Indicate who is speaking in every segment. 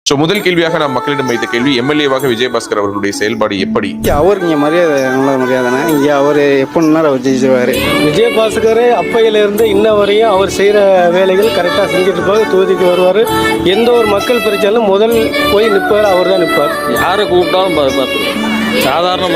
Speaker 1: So முதல் கேள்வியாக நாம் மக்களிடம் வைத்த கேள்வி, எம்எல்ஏவாக விஜயபாஸ்கர் அவர்களுடைய செயல்பாடு எப்படி?
Speaker 2: அவருக்கு இங்கே மரியாதை, நல்ல மரியாதைனா. இங்கே அவர் எப்படின்னா அவர் ஜெயிச்சுவார்.
Speaker 3: விஜயபாஸ்கர் அப்பையிலேருந்து இன்ன வரையும் அவர் செய்கிற வேலைகள் கரெக்டாக செஞ்சுட்டு இருப்பார். தொகுதிக்கு வருவார். எந்த ஒரு மக்கள் பிரச்சனையும் முதல் போய் நிற்பார், அவர் தான் நிற்பார்.
Speaker 4: யாரை கூப்பிட்டாலும் பார்த்துருவோம். சாதாரண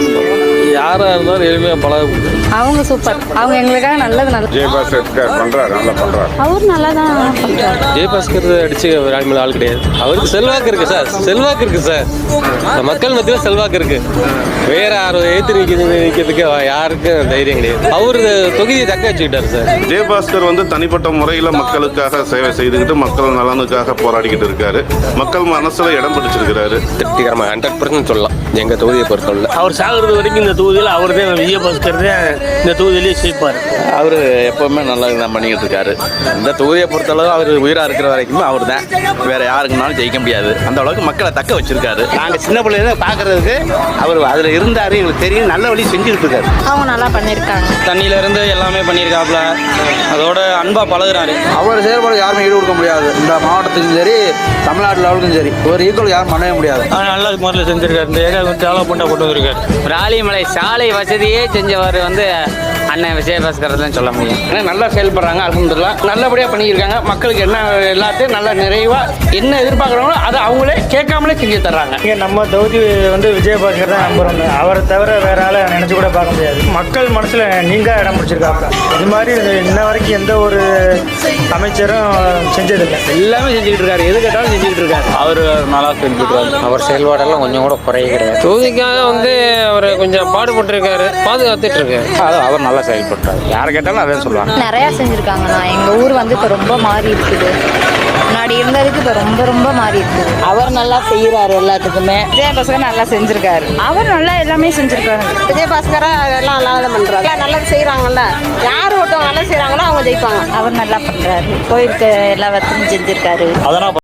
Speaker 4: யாராக இருந்தாலும் எளிமையாக பழக.
Speaker 5: அவங்க சூப்பர். அவங்க எங்களுக்காக நல்லது
Speaker 6: விஜயபாஸ்கர் பண்றாரு, நல்லா பண்றாரு.
Speaker 5: அவர் நல்லா தான் பண்றாரு.
Speaker 4: விஜயபாஸ்கர் அடிச்சு ஆள் கிடையாது. அவருக்கு செல்வாக்கு இருக்கு சார், செல்வாக்கு இருக்கு சார். மக்கள் மத்தியில் செல்வாக்கு இருக்கு. வேற யாரும் ஏற்று நிற்கிறதுக்கு யாருக்கும் தைரியம் கிடையாது. அவரு தொகுதியை தக்க வச்சுக்கிட்டாரு சார்.
Speaker 6: விஜயபாஸ்கர் தனிப்பட்ட முறையில் மக்களுக்காக சேவை செய்துக்கிட்டு மக்கள் நலனுக்காக போராடிக்கிட்டு இருக்காரு. மக்கள் மனசுல இடம் பிடிச்சிருக்கிறாரு.
Speaker 4: திருப்திகரமாக 100% சொல்லலாம் எங்க தொகுதியை பொறுத்தவரை.
Speaker 3: அவர் சாகிறது வரைக்கும் இந்த தொகுதியில் அவர் தான், விஜயபாஸ்கர் தான் இந்த தொகுதியிலேயே ஜெயிப்பார்.
Speaker 7: அவர் எப்பவுமே நல்லா தான் பண்ணிக்கிட்டு இருக்காரு. இந்த தொகுதியை பொறுத்தளவு அவர் உயிராக இருக்கிற வரைக்கும் அவர் தான். வேற யாருக்குனாலும் ஜெயிக்க முடியாது. அந்த அளவுக்கு மக்களை தக்க வச்சிருக்காரு.
Speaker 2: நாங்கள் சின்ன பிள்ளைங்க பார்க்கறதுக்கு அவர் அதில் இருந்தார். எங்களுக்கு தெரியும், நல்ல வழி செஞ்சுட்டு இருக்காரு.
Speaker 5: அவங்க நல்லா பண்ணியிருக்காங்க.
Speaker 8: தண்ணியில இருந்து எல்லாமே பண்ணியிருக்காப்புல. அதோட அன்பா பழகுறாரு.
Speaker 2: அவர் செயல்பாடு யாருமே ஈடு கொடுக்க முடியாது. இந்த மாவட்டத்துக்கும் சரி, தமிழ்நாட்டு லெவலுக்கும் சரி, ஒரு ஈக்குவல் யாரும் பண்ணவே முடியாது.
Speaker 3: நல்ல முறையில் செஞ்சிருக்காரு. இந்த ஏரியா டெவலப்மெண்ட்டாக கொண்டு வந்திருக்காரு.
Speaker 8: ராலிமலை சாலை வசதியே செஞ்சவர் அண்ணன் விஜயபாஸ்கர் தான் சொல்ல முடியும். நல்லா செயல்படுறாங்க. அல்ஹம்துலில்லாஹ் நல்லபடியாக பண்ணியிருக்காங்க. மக்களுக்கு என்ன எல்லாத்தையும் நல்லா நிறைவாக என்ன எதிர்பார்க்குறாங்களோ அதை அவங்களே கேட்காமலே செஞ்சு தர்றாங்க.
Speaker 3: இங்கே நம்ம தொகுதி விஜயபாஸ்கர் தான் நம்புறோம். அவரை தவிர வேற ஆளை நினச்சி கூட பார்க்க முடியாது. மக்கள் மனசில் நீங்க இடம் பிடிச்சிருக்காங்க. இது மாதிரி இன்ன வரைக்கும் எந்த ஒரு அமைச்சரும் செஞ்சதில்லை. எல்லாமே செஞ்சுக்கிட்டு இருக்காரு. எது கேட்டாலும் செஞ்சுக்கிட்டு இருக்காரு.
Speaker 4: அவர் நல்லா செஞ்சுருக்காரு. அவர் செயல்பாடெல்லாம் கொஞ்சம் கூட குறைய கிடையாது. தொகுதிக்காக அவர் கொஞ்சம் பாடுபட்டு பாதுகாத்துட்டு இருக்காரு. அவர் நல்லா செயல்படுறாரு. யாரை கேட்டாலும் அதான் சொல்லுவாங்க.
Speaker 5: நிறையா செஞ்சுருக்காங்கண்ணா. எங்கள் ஊர் இப்போ ரொம்ப மாறி இருக்குது. முன்னாடி இருந்ததுக்கு இப்போ ரொம்ப ரொம்ப மாறி இருக்குது.
Speaker 9: அவர் நல்லா செய்கிறாரு. எல்லாத்துக்குமே
Speaker 5: விஜயபாஸ்கர் நல்லா செஞ்சுருக்காரு. அவர் நல்லா எல்லாமே செஞ்சுருக்காரு.
Speaker 9: விஜயபாஸ்கரா எல்லாம் நல்லா தான் பண்ணுறாரு. நல்லது செய்கிறாங்கல்ல. யார் ஒருத்தவங்க நல்லா செய்கிறாங்களோ அவங்க ஜெயிப்பாங்க.
Speaker 5: அவர் நல்லா பண்ணுறாரு. கோயிலுக்கு எல்லா வசதியும் செஞ்சுருக்காரு.
Speaker 4: அதெல்லாம்